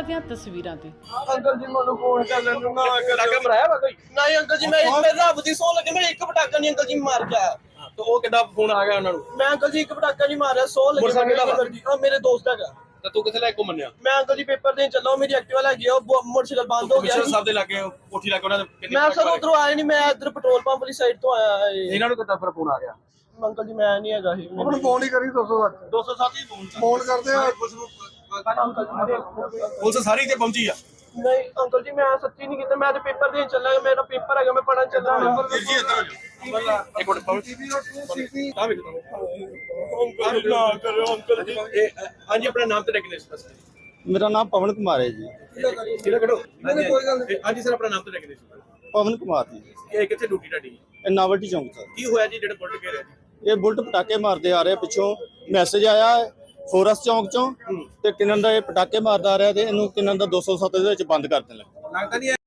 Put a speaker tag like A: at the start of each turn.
A: ਦੀਆਂ ਤਸਵੀਰਾਂ ਤੇ।
B: ਅੰਕਲ ਜੀ ਮੈਨੂੰ ਫੋਨ ਕਰ ਲੈਣ ਨੂੰ ਨਾ ਪਟਾਕਾ ਮਰਾਇਆ ਵਾ ਕੋਈ? ਨਹੀਂ ਅੰਕਲ ਜੀ, ਮੈਂ ਰੱਬ ਦੀ ਸੌ ਲੱਗੇ, ਮੇਰੇ ਇੱਕ ਪਟਾਕਾ ਨਹੀਂ ਅੰਕਲ ਜੀ ਮਾਰ ਕੇ ਆਇਆ।
C: ਤੇ ਉਹ ਕਿੱਦਾਂ ਫੋਨ ਆ ਗਿਆ ਉਹਨਾਂ ਨੂੰ?
B: ਮੈਂ ਅੰਕਲ ਜੀ ਇੱਕ ਪਟਾਕਾ ਨਹੀਂ ਮਾਰਿਆ, 100 ਲੱਗੇ ਅੰਕਲ ਜੀ। ਮੇਰੇ ਦੋਸਤ ਹੈਗਾ।
C: ਤੇ ਤੂੰ ਕਿੱਥੇ ਲੈ ਕੇ ਘੁੰਮਣਿਆ?
B: ਮੈਂ ਅੰਕਲ ਜੀ ਪੇਪਰ ਦੇਣ ਚੱਲਾ, ਮੇਰੀ ਐਕਟਿਵਾ ਲੱਗੀ ਆ, ਉਹ ਮੋਟਰਸਾਈਕਲ ਬੰਦ ਹੋ ਗਿਆ।
C: ਕਮਿਸ਼ਨਰ ਸਾਹਿਬ ਦੇ ਲੱਗੇ ਕੋਠੀ ਲੱਗੇ ਉਹਨਾਂ ਦੇ
B: ਮੈਂ ਸਰ ਉਧਰੋਂ ਆਇਆ ਨਹੀਂ, ਮੈਂ ਇੱਧਰ ਪੈਟਰੋਲ ਪੰਪ ਵਾਲੀ ਸਾਈਡ ਤੋਂ ਆਇਆ।
C: ਇਹਨਾਂ ਨੂੰ ਕਿੱਦਾਂ ਫਿਰ ਫੋਨ ਆ ਗਿਆ?
B: ਅੰਕਲ ਜੀ ਮੈਂ ਨਹੀਂ ਹੈਗਾ ਸੀ।
D: ਹੁਣ ਫੋਨ ਹੀ ਕਰੀ 207
B: 207 ਹੀ
D: ਫੋਨ ਕਰਦੇ ਆ।
C: ਪੁਲਿਸ ਸਾਰੀ ਤੇ ਪਹੁੰਚੀ ਆ?
B: ਨਹੀਂ ਅੰਕਲ ਜੀ, ਮੈਂ ਸੱਚੀ ਨਹੀਂ ਕੀਤਾ, ਮੈਂ ਤੇ ਪੇਪਰ ਦੇਣ ਚੱਲਾ, ਮੇਰਾ ਪੇਪਰ ਹੈਗਾ, ਮੈਂ ਪੜਨ ਚੱਲਾ।
C: ਜੀ ਇੱਧਰ ਇੱਕ ਮਿੰਟ ਪਹੁੰਚ ਆ ਵੇਖ
B: ਅੰਕਲ ਨਾ ਕਰੋ ਅੰਕਲ ਜੀ।
C: ਹਾਂਜੀ ਆਪਣਾ ਨਾਮ ਤੇ ਡੈਗਨੇਸ਼ਨ?
D: ਮੇਰਾ ਨਾਮ ਪਵਨ ਕੁਮਾਰ ਹੈ ਜੀ।
C: ਕਿਹੜਾ ਖੜੋ? ਕੋਈ ਗੱਲ ਨਹੀਂ। ਹਾਂਜੀ ਸਰ, ਆਪਣਾ ਨਾਮ ਤੇ ਡੈਗਨੇਸ਼ਨ?
D: ਪਵਨ ਕੁਮਾਰ ਜੀ।
C: ਇਹ ਕਿੱਥੇ ਡਿਊਟੀ ਤੁਹਾਡੀ?
D: ਇਹ ਨਾਵਲਟੀ ਚੌਂਕ ਸਰ।
C: ਕੀ ਹੋਇਆ ਜੀ ਜਿਹੜੇ ਬੁਲਟ ਘੇਰਿਆ ਜੀ?
D: ਇਹ ਬੁਲਟ ਪਟਾਕੇ ਮਾਰਦੇ ਆ ਰਹੇ ਪਿੱਛੋਂ, ਮੈਸੇਜ ਆਇਆ ਫੋਰਸ ਚੌਂਕ ਚੋਂ ਤੇ ਕਿੰਨਨ ਦਾ ਇਹ ਪਟਾਕੇ ਮਾਰਦਾ ਆ ਰਿਹਾ ਤੇ ਇਹਨੂੰ ਕਿੰਨਨ ਦਾ 207 ਦੇ ਵਿੱਚ ਬੰਦ ਕਰ ਦੇਣ ਲੱਗਾ।
C: ਲੱਗਦਾ ਨਹੀਂ